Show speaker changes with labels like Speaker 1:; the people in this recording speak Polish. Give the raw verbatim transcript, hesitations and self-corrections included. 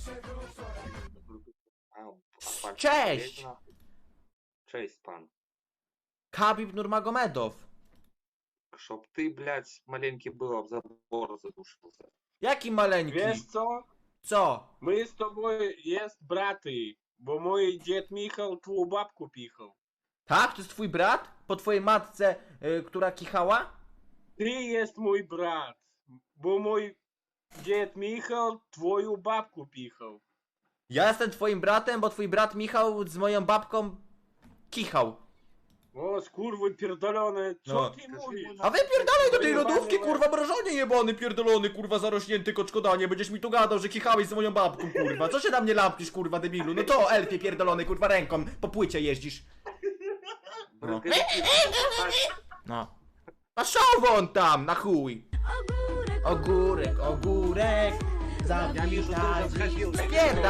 Speaker 1: A, a pan
Speaker 2: Cześć!
Speaker 1: jest na- Cześć pan.
Speaker 2: Khabib Nurmagomedow.
Speaker 1: Чтоб ты, блядь, маленький был, об забор задушился.
Speaker 2: Jaki maleńki?
Speaker 3: Wiesz co?
Speaker 2: Co?
Speaker 3: My z tobą jest braty, bo mój dziad Michał twą babku pichał.
Speaker 2: Tak? To jest twój brat? Po twojej matce, y, która kichała?
Speaker 3: Ty jest mój brat, bo mój dziad Michał twoją babku pichał.
Speaker 2: Ja jestem twoim bratem, bo twój brat Michał z moją babką kichał.
Speaker 3: O, skurwy pierdolone, co
Speaker 2: No.
Speaker 3: ty mówisz?
Speaker 2: A wypierdalaj do tej
Speaker 3: Pojebany
Speaker 2: lodówki,
Speaker 3: łeb.
Speaker 2: kurwa, mrożonie jebany, pierdolony, kurwa, zarośnięty koczkodanie. Będziesz mi tu gadał, że kichałeś z moją babką, kurwa. Co się na mnie lampisz, kurwa, debilu? No to, elfie pierdolony, kurwa, ręką po płycie jeździsz. No. No. A szał won tam, na chuj. Ogórek, ogórek,
Speaker 1: Ja вижу, ты
Speaker 2: zawitali.
Speaker 1: уже сходил.
Speaker 2: Spierda-